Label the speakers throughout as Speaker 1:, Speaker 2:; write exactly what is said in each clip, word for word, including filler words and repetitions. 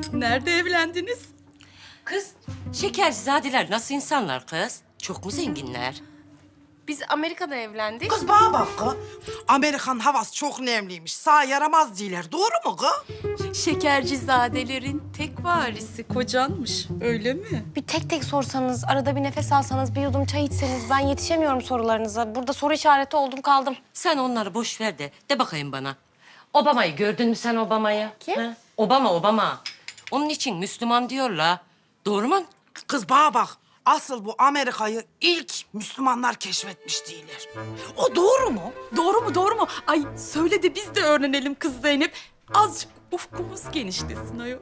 Speaker 1: Nerede evlendiniz?
Speaker 2: Kız, Şekercizadeler nasıl insanlar kız? Çok mu zenginler?
Speaker 3: Biz Amerika'da evlendik.
Speaker 4: Kız bana bak kız. Amerikan havası çok nemliymiş. Sağ yaramaz değiller. Doğru mu kız?
Speaker 1: Şekercizadelerin tek varisi kocanmış. Öyle mi?
Speaker 3: Bir tek tek sorsanız, arada bir nefes alsanız, bir yudum çay içseniz ben yetişemiyorum sorularınıza. Burada soru işareti oldum kaldım.
Speaker 2: Sen onları boş ver de, de bakayım bana. Obama'yı gördün mü sen Obama'yı?
Speaker 3: Kim?
Speaker 2: Ha? Obama, Obama. Onun için Müslüman diyorlar. Doğru mu?
Speaker 4: Kız bana bak. Asıl bu Amerika'yı ilk Müslümanlar keşfetmiş değiller. O doğru mu?
Speaker 1: Doğru mu doğru mu? Ay söyle de biz de öğrenelim kız Zeynep. Azıcık ufkumuz genişlesin ayol.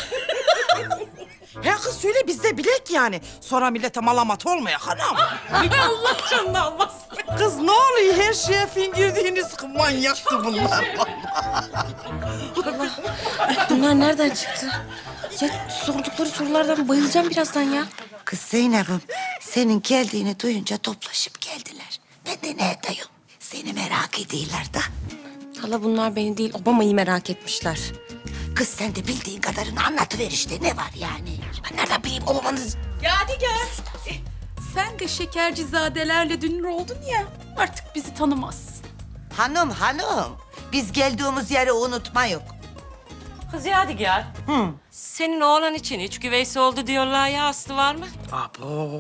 Speaker 4: He kız söyle biz de bilek yani. Sonra millete malamat olmaya hanım.
Speaker 1: Allah canını almasın.
Speaker 4: Kız ne oluyor her şeye fingirdiğiniz manyaktı bunlar.
Speaker 3: Bunlar nereden çıktı? Ya sordukları sorulardan bayılacağım birazdan ya.
Speaker 5: Kız Zeynep'im senin geldiğini duyunca toplaşıp geldiler. Ben de ne edeyim? Seni merak ediyorlar da.
Speaker 3: Hala bunlar beni değil, Obama'yı merak etmişler.
Speaker 5: Kız sen de bildiğin kadarını anlatıver işte. Ne var yani? Ben nereden bileyim o babanız?
Speaker 1: Yadigar. Eh, sen de şekercizadelerle dünür oldun ya. Artık bizi tanımaz.
Speaker 5: Hanım hanım. Biz geldiğimiz yeri unutma yok.
Speaker 2: Kız Yadigar. Hı. Senin oğlan için iç güveysi oldu diyorlar ya, aslı var mı?
Speaker 4: Abo.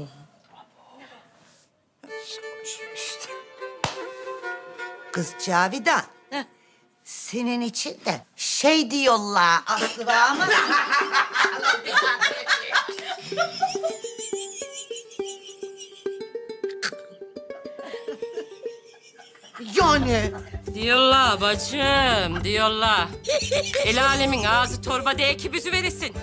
Speaker 5: Kız Cavidan.
Speaker 2: Heh.
Speaker 5: Senin için de şey diyorlar Aslı var ama. Yani.
Speaker 2: Diyorlar bacım, diyorlar. El alemin ağzı torba değil ki büzü verirsin.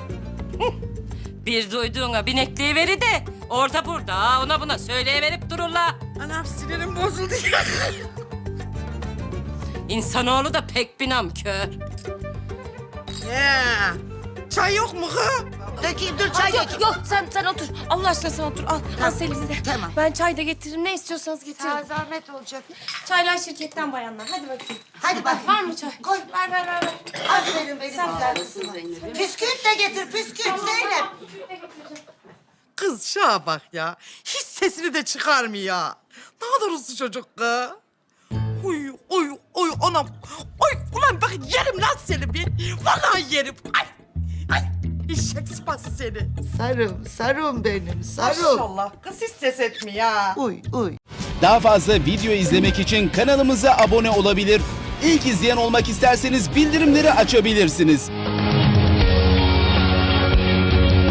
Speaker 2: Bir duyduğuna binekliği veri de orada burada ona buna söyleyiverip dururlar.
Speaker 4: Anam sinirim bozuldu ya.
Speaker 2: İnsanoğlu da pek bir namkör.
Speaker 4: He. Çay yok mu kız?
Speaker 5: Dökeyim dur çay dökeyim.
Speaker 3: Yok sen sen otur. Allah aşkına sen otur. Al, al Selim'i de.
Speaker 5: tamam.
Speaker 3: Ben çay da getiririm. Ne istiyorsanız getirin.
Speaker 5: Sana zahmet olacak.
Speaker 3: Çaylar şirketten bayanlar. Hadi bakayım.
Speaker 5: Hadi bak.
Speaker 3: Var mı çay?
Speaker 5: Koy.
Speaker 3: Ver ver ver. ver.
Speaker 5: Aferin benim güzel. Püskürt de getir püskürt Zeynep.
Speaker 4: Kız şuna bak ya. Hiç sesini de çıkarmıyor. Ne kadar uslu çocuk kız. Oy oy oy anam. Oy ulan bak yerim lan seni bir. Vallahi yerim. Ay ay. Eşek sıpası seni.
Speaker 5: Sarım, sarım benim, sarım.
Speaker 4: Maşallah kız hiç ses etmiyor.
Speaker 5: Uy, uy.
Speaker 6: Daha fazla video izlemek için kanalımıza abone olabilir. İlk izleyen olmak isterseniz bildirimleri açabilirsiniz.